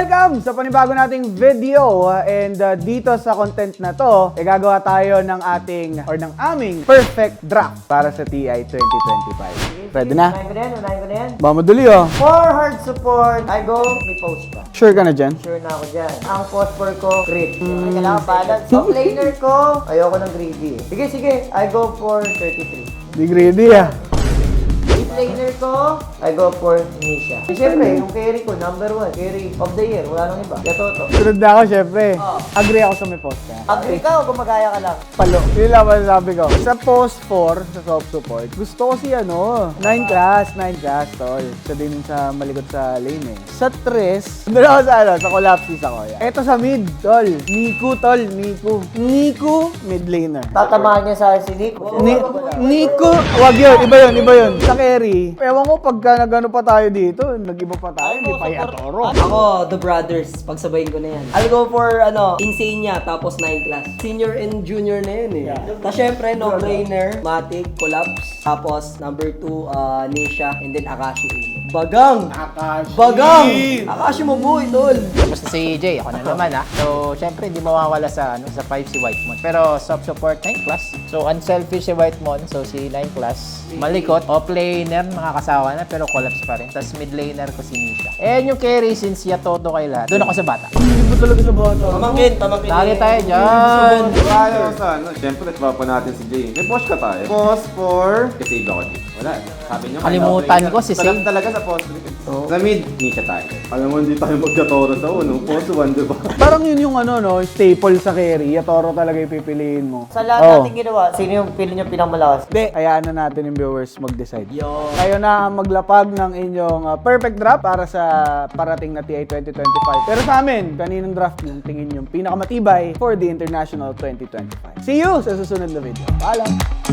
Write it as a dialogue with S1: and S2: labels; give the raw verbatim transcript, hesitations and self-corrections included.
S1: Welcome sa panibago nating video and uh, dito sa content na to, eh, gagawa tayo ng ating or ng aming perfect draft para sa T I twenty twenty-five. Ready na?
S2: Unahin ko na yan, unahin ko na yan.
S1: Ba, madali oh.
S2: For hard support, I go, may post ka.
S1: Sure ka na dyan?
S2: Sure na ako dyan. Ang phosphor ko, crit. Mm. Kailangan balance. So, laner ko, ayoko ng greedy. Sige, sige, I go for thirty-three.
S1: Di greedy ah.
S2: Mid laner ko, I go for Nisha. Eh, Siyempre, yung carry ko, number one. Carry of the year, wala nang iba. Yatoto.
S1: Sunod na ako syempre.
S2: Oh.
S1: Agree ako sa may post ka.
S2: Agree ka o gumagaya ka lang?
S1: Palo. Yun lang masasabi ko. Sa post four, sa soft support, gusto ko si ano, nine class, nine class, tol. Siya din yung sa malikot sa lane eh. Sa tres, doon ako sa ano, sa collapses ako. Yan. Eto sa mid, tol. Niku, tol. Niku. Niku, mid laner.
S2: Tatamaan niya sa si Nico.
S1: Ni Nico, wag yun, iba yun, iba yun. Sa carry, ewan ko pagka nagano pa tayo dito, nag-iba pa tayo, hindi pa yatoro.
S3: Ako, The Brothers. Pagsabayin ko na yan. I'll go for, ano, Insania, tapos nine class. Senior and junior na yun eh.
S1: Yeah.
S3: Tapos syempre, no-brainer, Matic, Collapse. Tapos, number two, uh, Nisha, and then Akashi Uno. Bagang!
S1: Akashi!
S3: Bagang! Akashi mo boy, tol!
S4: Tapos na si Jay, ako na naman ah. So, syempre, hindi mawawala sa ano sa five si Whitemon. Pero, soft support nine class. So, unselfish si Whitemon. So, si nine class. Malikot. Off-laner, makakasawa na, pero collapse pa rin. Tapos, mid-laner ko si Nisha. And yung carry, since Yatoto kay lahat, doon ako sa bata.
S1: Hindi mo talaga sa bata.
S3: Pamangkin, pamangkin.
S4: Lagi tayo dyan!
S5: Kaya sa ano, siyempre, pa natin si Jay. May post ka tayo. Post for... Kasi ako dito. Wala. Sabi niyo,
S4: Kalimutan ko si
S5: Salam
S4: Save.
S5: talaga sa post. Sa mid, Nisha tayo. Alam mo, hindi tayo magkatoro sa uno. Post one, di ba?
S1: Parang yun yung ano, no, staple sa carry. Yatoro talaga yung pipiliin mo.
S2: Sa lahat
S1: Oh.
S2: natin ginawa, sino yung pili niyo pinakamalakas?
S1: Hindi, hayaan na natin yung viewers mag-decide. Kayo na ang maglapag ng inyong uh, perfect draft para sa parating na T I twenty twenty-five. Pero sa amin, kaninong draft yung tingin yung pinakamatibay for the International twenty twenty-five. See you sa susunod na video. Paalam!